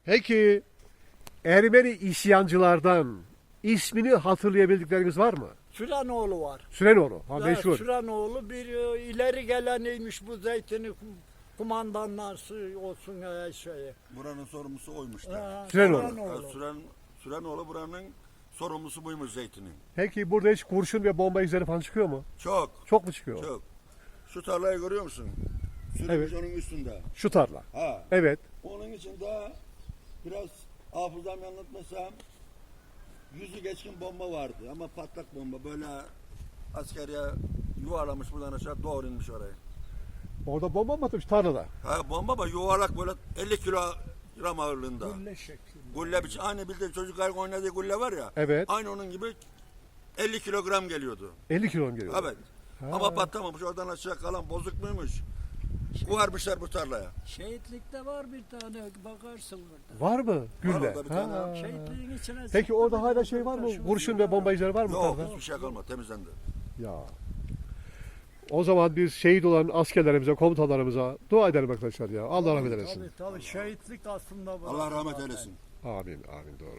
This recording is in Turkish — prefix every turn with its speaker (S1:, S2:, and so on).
S1: Peki Ermeni isyancılardan ismini hatırlayabildikleriniz var mı?
S2: Sürenoğlu var.
S1: Sürenoğlu. Ha,
S2: Ya,
S1: meşhur.
S2: Sürenoğlu bir ileri geleniymiş bu zeytini kumandanlar olsun şeyi.
S3: Buranın sorumlusu oymuş da.
S2: Ha,
S1: Sürenoğlu.
S3: Sürenoğlu buranın sorumlusu buymuş zeytinin.
S1: Peki burada hiç kurşun ve bomba izleri falan çıkıyor mu?
S3: Çok,
S1: Çok mu çıkıyor?
S3: çok. Şu tarlayı görüyor musun? Sürümüş onun üstünde.
S1: Şu tarla.
S3: Ha.
S1: Evet.
S3: Onun içinde biraz hafızam yanıltmasam 100'ü geçkin bomba vardı ama patlak bomba böyle askeriye yuvarlamış buradan aşağı doğru inmiş oraya.
S1: Orada bomba mı atmış tarlada?
S3: Ha bomba ama yuvarlak böyle 50 kilogram ağırlığında.
S2: Gülle şeklinde.
S3: Gulle biçim aynı bildiğin çocukların oynadığı gulle var ya.
S1: Evet.
S3: Aynı onun gibi 50 kilogram geliyordu.
S1: 50 kilo geliyor.
S3: Evet.
S1: Ha.
S3: Ama patlamamış oradan aşağı kalan bozuk muymuş? Kuvarmışlar bu tarlaya.
S2: Şehitlikte var bir tane bakarsın burada.
S1: Var mı? Gülle.
S3: orada bir tane.
S1: Ha.
S2: Şehitliğin içine
S1: Peki
S2: sıktı
S1: orada
S2: bir
S1: hala
S2: tane
S1: şey var mı?
S2: taşı
S1: Kurşun ve bomba izleri var mı?
S3: Yok
S1: tarlada?
S3: hiçbir şey kalmadı temizlendi.
S1: Ya. O zaman biz şehit olan askerlerimize, komutanlarımıza dua edelim arkadaşlar ya. Allah rahmet eylesin.
S2: Tabii şehitlik aslında var.
S3: Allah rahmet eylesin.
S1: Amin, amin doğru.